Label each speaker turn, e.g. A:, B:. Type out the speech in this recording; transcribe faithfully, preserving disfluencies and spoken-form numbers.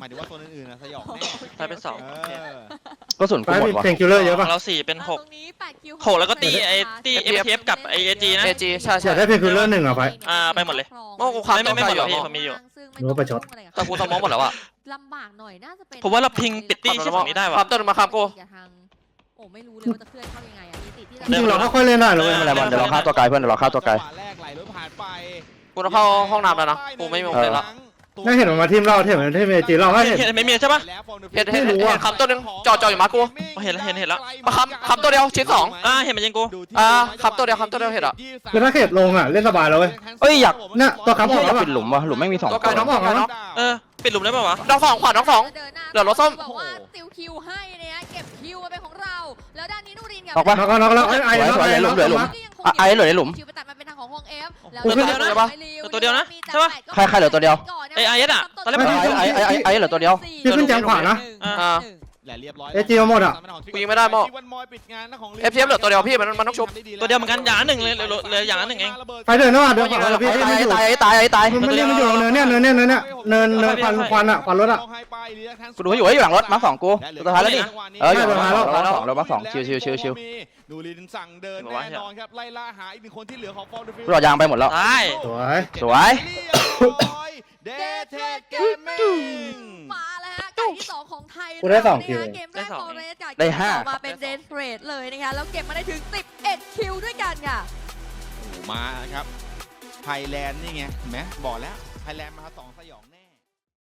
A: ายถึงว่าโซนอื่นๆนะสยองแน่
B: ไปเป็นสอง
C: ก็ส่วน
D: ไป
C: กูหมด
D: มี
C: ว่ะ
D: เพนคิลเลอร์เยอะป่ะ
B: เราสี่เป็นหก
E: ตรงนี้แปดคิว
B: หกแล้วก็ตีไอ้ตี เอฟ ที เอฟ กับไอ้ เอ จี นะ
F: เอจีใช่
D: อ
F: ใช่
D: ยากได้เพนคิลเลอร์หนึ่งอ่ะไป
B: อ่าไปหมดเลย
F: โม่กูค้ำ
B: ไม่ไม่ไม่หมดหรอก
F: อยู่
B: พี่
F: อะ
B: ผมมีอยู่
D: หรือว่าประชด
F: แต่กูสมองหมดแล้วอะ
E: ลำบากหน่อยน่าจะเป็น
B: ผมว่าเราพิงปิดตี้ที่ฝั่งนี้ได้ว่ะ
F: ความต้นมาครับกู
E: โอ้ไม่รู้เลยว่าจะเคลื่อนเข้ายังไงอ่ะมีสิทธิ์ที่จะ
D: จริงๆเราก็ค่อยเล่นได้เลย
C: ไม่เป็นไรบอลเดี๋ยวเราฆ่าตัวไกลเพื่อนเดี๋ยวเราฆ่าตัวไกล
A: แรกไหลรถผ่านไป
F: กูต้องเข้าห้องน้ำแล้วนะกูไม่มีโมเมนต์ละ
D: น่าเห็นมันมาทีมเราเห็นมันทีมเอจีเราก็เห็น
B: เห็นไม่มีใช่ปะ
F: เห็นเห็นเห็นเห็นคำต้นนึงจ่อจ่ออยู่มากู
B: เห็นแล้วเห็นเห็นแล้ว
F: มาคำคำตัวเดียวชิ้นสอง
B: อ่าเห็นมันยิงกู
F: อ่าครับตัวเดียวครับตัวเดียวเห็นอะ
D: คือถ้าเขตลงอ่ะเล่นสบายแล้วเว้ย
C: เอ้ยอยาก
D: เนี่ยตัวค้ำออก
C: อ
D: แล้
C: ยาว ก
D: ป่ะ
C: ปิดหลุมว่ะหลุมไม่มีสอง
F: ตัว
C: ค
F: ไกล
C: น
F: น้องบอกไกลน้อง
B: เออปิดหลุมได้ป่าวะ
F: น้องสองขวาน้องสอง เหลือรถส้ม
E: บอกว่าติวคิวให้เนี่ยเก็บคิวมาเป็นของเราแล้วด้านนี้นูรินกับ
C: ออกปะ
D: น็อกแล้วน็อกแล้วไอ้ไอ้
C: สวยๆเหลือหลุมเหลือหลุม อ่ะไอ้เหลือในหลุม
E: คิวไปตัดมาเป็นทางของฮงเอฟ
D: กูขึ้น
B: ตัวเดียวนะตัวเดียวนะใช่ปะ
C: ใครใครเหลือตัวเดียว
B: ไอ้ไอ้อะตอนแรก
D: ไม่
B: มัน
D: ใช่
C: ไอ้ไอ้ไอ้ไอ้เหลือตัวเดียว
D: พี่ขึ้นแจมขวานะ
F: อ่า
A: แหละเรียบร้อย
D: เอจีเอาหมดอะ
F: กูยิงไม่ได้โม่ เอฟ ที เอฟ เหลือตัวเดียวพี่มันมันต้องชุบ
B: ตัวเดียวเหมือนกันอย่างละหนึ่งเลยเหลือเหลืออย่างละหนึ่งเอง
D: ไปเดินนะว่ะเดินขวาแล้วพี่
C: ไอ้
D: พี่ไม่อยู่
C: ตายไอ้ตายไอ้ตาย
D: มันเรียกมันอยู่เนินเนี่ยเนินเนี่ยเนินเนี่ยเนินเนินควันควันอ่ะควันรถอ่ะ
C: กูดูให้อยู่ให้อยู่หลังรถมาสองกูตัวท้ายแล้วนี่เอออยู่หลังรถเราสองเรามาสองชิวชิวชิวชิว
A: ดูลินสั่งเดินแน่นอนครับไล่ล่าหาอีกหนึ่งคนที่เหลือของฟอร์ดฟิล
C: กูหลอดยางไปหมดแล้ว
B: ตาย
D: สวย
C: สวย
A: เดทเทสเกมมิ่ง
E: มาแล้วฮะไก่ที่สองของไทย
D: กูได้สองคิว
E: นะคะเกมแรกฟอร์เรสกับ
C: ได้ห้า
E: เกมต่อมาเป็นเดนเฟรดเลยนะคะแล้วเก็บมาได้ถึงสิบเอ็ดคิวด้วยกันค่ะ
A: มาครับไทยแลนด์นี่ไงเห็นไหมบอกแล้วไทยแลนด์มาสองสยองแน่